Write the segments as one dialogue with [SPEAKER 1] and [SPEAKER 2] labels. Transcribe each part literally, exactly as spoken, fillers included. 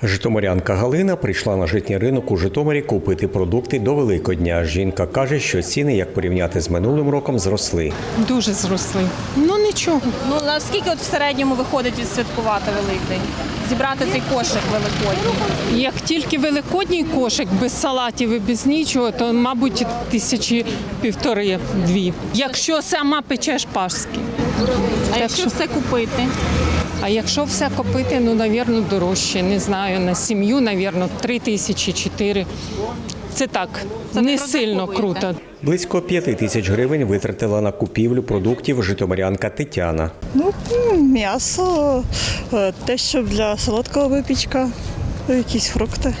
[SPEAKER 1] Житомирянка Галина прийшла на житній ринок у Житомирі купити продукти до Великодня. Жінка каже, що ціни, як порівняти з минулим роком, зросли.
[SPEAKER 2] Дуже зросли. Ну нічого.
[SPEAKER 3] Ну, наскільки от в середньому виходить відсвяткувати Великдень? Зібрати цей кошик великодній?
[SPEAKER 2] Як тільки великодній кошик, без салатів і без нічого, то, мабуть, тисячі півтори-дві. Якщо сама печеш паски.
[SPEAKER 3] А якщо все купити?
[SPEAKER 2] А якщо все купити, ну, напевно, дорожче. Не знаю, на сім'ю, напевно, три тисячі, чотири. Це так,
[SPEAKER 3] Це
[SPEAKER 2] не
[SPEAKER 3] ви
[SPEAKER 2] сильно
[SPEAKER 3] розраховуєте?
[SPEAKER 2] круто.
[SPEAKER 1] Близько п'яти тисяч гривень витратила на купівлю продуктів житомирянка Тетяна.
[SPEAKER 4] Ну, м'ясо, е, те, що для солодкого випічка, якісь фрукти.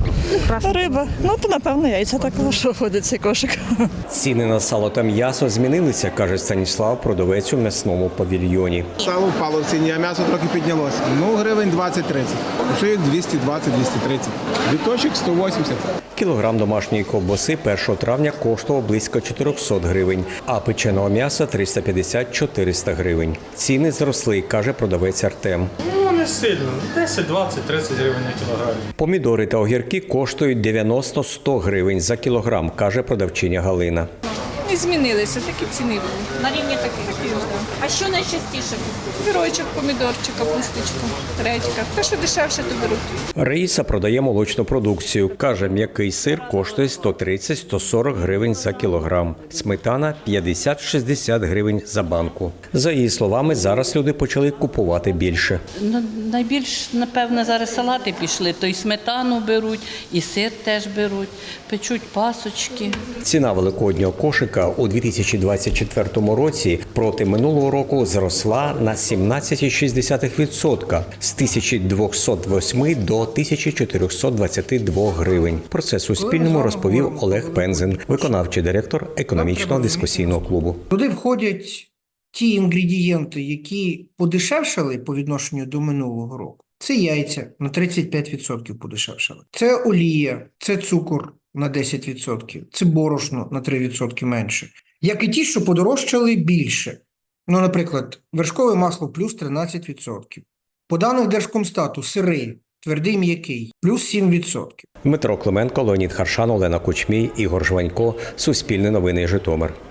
[SPEAKER 4] Риба. Ну, то, напевно, яйця також входить цей кошик.
[SPEAKER 1] Ціни на сало та м'ясо змінилися, каже Станіслав, продавець у м'ясному павільйоні.
[SPEAKER 5] Сало впало в ціні, а м'ясо трохи піднялося. Ну, гривень двадцять-тридцять. Шиїк двісті двадцять - двісті тридцять. Біточок сто вісімдесят.
[SPEAKER 1] Кілограм домашньої ковбаси першого травня коштував близько чотирьохсот гривень, а печеного м'яса триста п'ятдесят - чотириста гривень. Ціни зросли, каже продавець Артем.
[SPEAKER 6] Ну, не сильно. десять, двадцять, тридцять гривень на кілограм.
[SPEAKER 1] Помідори та огірки коштують дев'яносто - сто гривень за кілограм, каже продавчиня Галина.
[SPEAKER 7] Не змінилися, такі ціни були.
[SPEAKER 3] На рівні таких. А що найчастіше?
[SPEAKER 7] Вірочок, помідорчик, капусточка, редька. Те, що дешевше, то беруть.
[SPEAKER 1] Раїса продає молочну продукцію. Каже, м'який сир коштує сто тридцять - сто сорок гривень за кілограм. Сметана – п'ятдесят - шістдесят гривень за банку. За її словами, зараз люди почали купувати більше.
[SPEAKER 8] Ну, найбільш, напевно, зараз салати пішли, то і сметану беруть, і сир теж беруть, печуть пасочки.
[SPEAKER 1] Ціна великоднього кошика у дві тисячі двадцять четвертому році проти минулого року зросла на сімнадцять цілих шість десятих відсотка з тисячі двохсот восьми до тисячі чотирьохсот двадцяти двох гривень. Про це Суспільному розповів Олег Пензин, виконавчий директор економічного дискусійного клубу.
[SPEAKER 9] Туди входять ті інгредієнти, які подешевшали по відношенню до минулого року. Це яйця на тридцять п'ять відсотків подешевшали. Це олія, це цукор на десять відсотків, це борошно на три відсотки менше. Як і ті, що подорожчали більше. Ну, наприклад, вершкове масло плюс тринадцять відсотків. По даних Держкомстату сири, твердий м'який, плюс сім відсотків.
[SPEAKER 1] Дмитро Клименко, Леонід Харшан, Олена Кучмій, Ігор Жванько. Суспільне новини Житомир.